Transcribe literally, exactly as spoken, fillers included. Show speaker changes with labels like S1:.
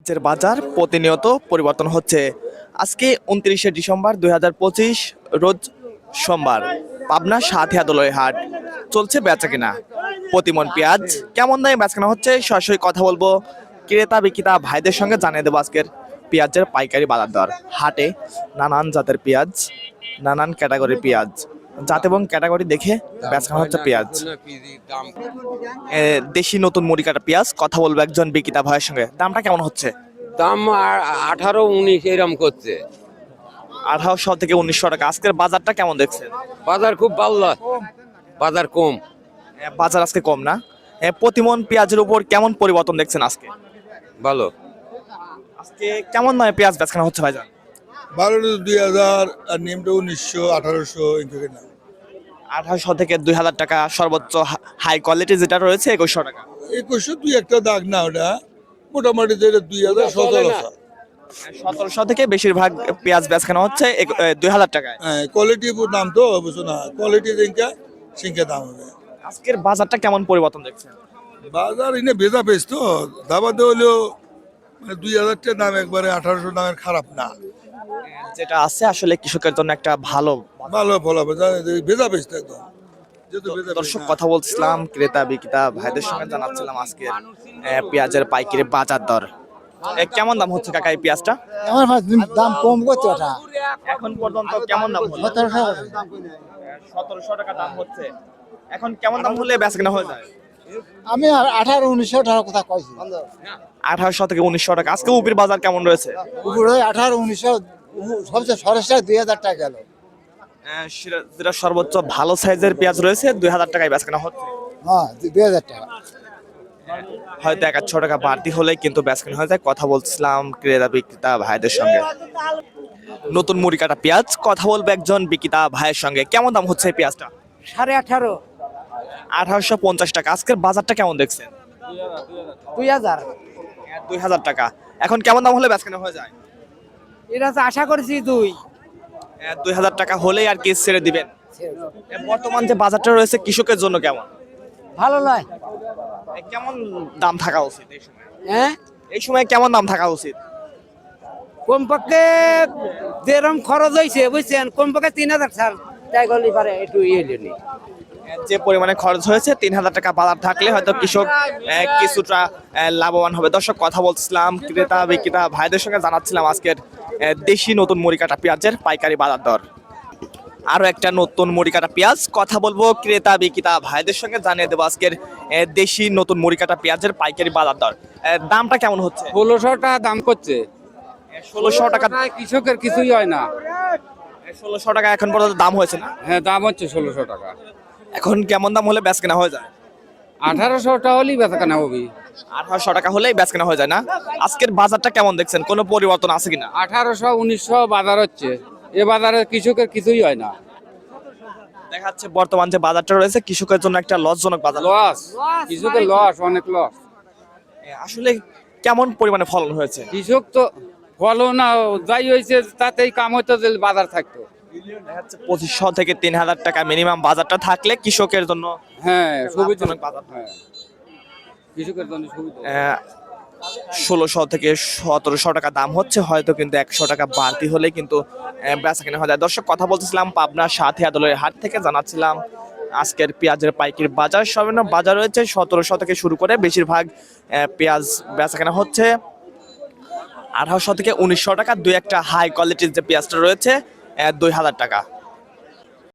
S1: পেঁয়াজের বাজার প্রতিনিয়ত পরিবর্তন হচ্ছে। আজকে উনত্রিশে ডিসেম্বর দুই হাজার পঁচিশ রোজ সোমবার, পাবনা সাথিয়া দোলই হাট চলছে বেচা কিনা। প্রতিমন পেঁয়াজ কেমন দামে বেচা কেনা হচ্ছে সরাসরি কথা বলবো ক্রেতা বিক্রেতা ভাইদের সঙ্গে, জানিয়ে দেবো আজকের পেঁয়াজের পাইকারি বাজার দর। হাটে নানান জাতের পেঁয়াজ, নানান ক্যাটাগরির পেঁয়াজ, জাত এবং ক্যাটাগরি দেখে বেচা কেনা হচ্ছে পেঁয়াজ। এ, দেশি নতুন মুড়ি কাটা পেঁয়াজ, কথা বলবো একজন বিক্রেতা ভাইয়ের সঙ্গে। দামটা কেমন হচ্ছে?
S2: দাম আর আঠারো উনিশ এরম করছে।
S1: আঠারোশো থেকে উনিশশো টাকা। আজকের বাজারটা কেমন দেখছেন?
S2: বাজার খুব ভালো, বাজার কম।
S1: এ, বাজার আজকে কম না? এ, প্রতিমন পেঁয়াজের উপর কেমন পরিবর্তন দেখছেন আজকে?
S2: ভালো।
S1: আজকে কেমন দামে পেঁয়াজ বেচা হচ্ছে ভাইজান?
S3: বারোটা দুই হাজার আর নিমটা উনিশশো আঠারোশো এদিকে না।
S1: আঠারোশো থেকে দুই হাজার টাকা, সর্বোচ্চ হাই কোয়ালিটি যেটা রয়েছে একুশশো টাকা।
S3: একুশশো দুই একটা দাগ না, ওটা মোটামুটি যেটা দুই হাজার সতেরোশো।
S1: সতেরোশো থেকে বেশিরভাগ পেঁয়াজ বেচা হচ্ছে এক- এ, দুই হাজার টাকায়।
S3: হ্যাঁ, কোয়ালিটি দাম তো বুঝছো না, কোয়ালিটি দিনকা সিংকে দাম হবে।
S1: আজকের বাজারটা কেমন পরিবর্তন দেখছেন?
S3: বাজার এনে ভেজা পেস তো দাবাতে হলেও মানে দুই হাজার টাকা দাম, একবারে আঠারোশো দামের খারাপ না,
S1: যেটা আছে আসলে কৃষকের জন্য একটা ভালো।
S3: ভালো ফল হবে। ভেজা পেস তো একদম, যেহেতু ভেজা পেঁয়াজ
S1: দর্শক
S3: না।
S1: কথা বলছিলাম ক্রেতা বিক্রেতা ভাইদের সঙ্গে, জানাচ্ছিলাম আজকের এ, পেঁয়াজের পাইকারি বাজার দর। এ, কেমন দাম হচ্ছে কাকা এই পেঁয়াজটা?
S4: আমার ভাই দাম কম করছে ওটা
S1: এখন পর্যন্ত কেমন দাম হলো?
S4: সতেরোশো
S1: সতেরোশো টাকা দাম হচ্ছে। এখন কেমন দাম হলে বেচা কেনা হয়ে যায়?
S4: আমি আর আঠারো উনিশশো টাকার কথা কইছি
S1: আঠারোশো থেকে উনিশশো টাকা। আজকে উপির বাজার কেমন রয়েছে?
S4: উপরে আঠারো উনিশশো সবচেয়ে সরেসটা দুই হাজার টাকা গেল।
S1: আহ, সেটা- যেটা সর্বোচ্চ ভালো সাইজের পেঁয়াজ রয়েছে দুই হাজার টাকায় বেচা কেনা হচ্ছে।
S4: হ্যাঁ দুই হাজার টাকা।
S1: হয়তো এক আধশো টাকা বাড়তি হলে কিন্তু বেচা কেনা হয়ে যায়। কথা বলছিলাম ক্রেতা বিক্রেতা ভাইদের সঙ্গে। নতুন মুড়ি কাটা পেঁয়াজ, কথা বলবো একজন বিক্রেতা ভাইয়ের সঙ্গে। কেমন দাম হচ্ছে এই পেঁয়াজটা?
S5: সাড়ে আঠারো
S1: আঠারোশো পঞ্চাশ টাকা। আজকের বাজারটা কেমন দেখছেন?
S5: দুই হাজার
S1: দুই হাজার টাকা। এখন কেমন দাম হলে বেচা কেনা হয়ে যায়?
S5: এটা তো আশা করছি দুই
S1: আহ, দুই হাজার টাকা হলেই আর কি ছেড়ে দিবেন। আহ, বর্তমান যে বাজারটা রয়েছে কৃষকের জন্য কেমন?
S5: ভালো নয়।
S1: আহ, কেমন দাম থাকা উচিত এই সময়?
S5: হ্যাঁ
S1: এই সময় কেমন দাম থাকা উচিত?
S5: কমপক্ষে যেরকম খরচ হয়েছে বুঝছেন, কমপক্ষে তিন হাজার সাল তাই গলি পারে একটু ইয়ে নিয়ে
S1: যে পরিমাণে খরচ হয়েছে তিন হাজার টাকা বাজার থাকলে হয়তো কৃষক আহ, কিছুটা আহ, লাভবান হবে। দর্শক কথা বলছিলাম ক্রেতা বিক্রেতা ভাইদের সঙ্গে, জানাচ্ছিলাম আজকের আহ, দেশি নতুন মুড়ি কাটা পেঁয়াজের পাইকারি বাজার দর। আরো একটা নতুন মুড়ি কাটা পেঁয়াজ, কথা বলবো ক্রেতা বিক্রেতা ভাইদের সঙ্গে, জানিয়ে দেবো আজকের আহ, দেশি নতুন মুড়ি কাটা পেঁয়াজের পাইকারি বাজার দর। আহ, দামটা কেমন হচ্ছে?
S2: ষোলোশো টাকা দাম করছে।
S1: ষোলোশো টাকা।
S2: কৃষকের কিছুই হয় না।
S1: ষোলোশো টাকা এখন পর্যন্ত দাম হয়েছে না?
S2: হ্যাঁ, দাম হচ্ছে ষোলোশো টাকা।
S1: এখন কেমন দাম হলে বেচ কেনা হয়ে যায়?
S2: আঠারোশো টাকা হলেই বেচা কেনা হবে।
S1: আঠারোশো টাকা হলেই বেচ কেনা হয়ে যায় না? আজকের বাজারটা কেমন দেখছেন? কোনো পরিবর্তন আছে কিনা?
S2: আঠারোশো উনিশশো বাজার হচ্ছে। এ বাজারে কৃষকের কিছুই হয় না।
S1: দেখা যাচ্ছে বর্তমান যে বাজারটা রয়েছে কৃষকের জন্য একটা লসজনক বাজার।
S2: লস, কৃষকের লস, অনেক লস।
S1: এ, আসলে কেমন পরিমাণে ফলন হয়েছে?
S2: কৃষক তো ফলন না যাই হয়েছে তাতেই কাম হতো যে বাজার থাকতো।
S1: দেখা যাচ্ছে পঁচিশশো থেকে তিন হাজার টাকা মিনিমাম বাজারটা থাকলে কৃষকের জন্য
S2: হ্যাঁ, সুবিধা।
S1: লাভজনক বাজার।
S2: হ্যাঁ, কৃষকের জন্য সুবিধা।
S1: ষোলোশো থেকে সতেরোশো টাকা দাম হচ্ছে, হয়তো কিন্তু একশো টাকা বাড়তি হলে কিন্তু আহ, বেচা কেনা হয়ে যায়। দর্শক কথা বলতেছিলাম পাবনা সাথিয়া দোলের হাট থেকে, জানাচ্ছিলাম আজকের পেঁয়াজের পাইকারি বাজার। সর্বনিম্ন বাজার রয়েছে সতেরোশো থেকে শুরু করে বেশিরভাগ আহ, পেঁয়াজ বেচা কেনা হচ্ছে আঠারোশো থেকে উনিশশো টাকা। দুই একটা হাই কোয়ালিটির যে পেঁয়াজটা রয়েছে দুই হাজার টাকা।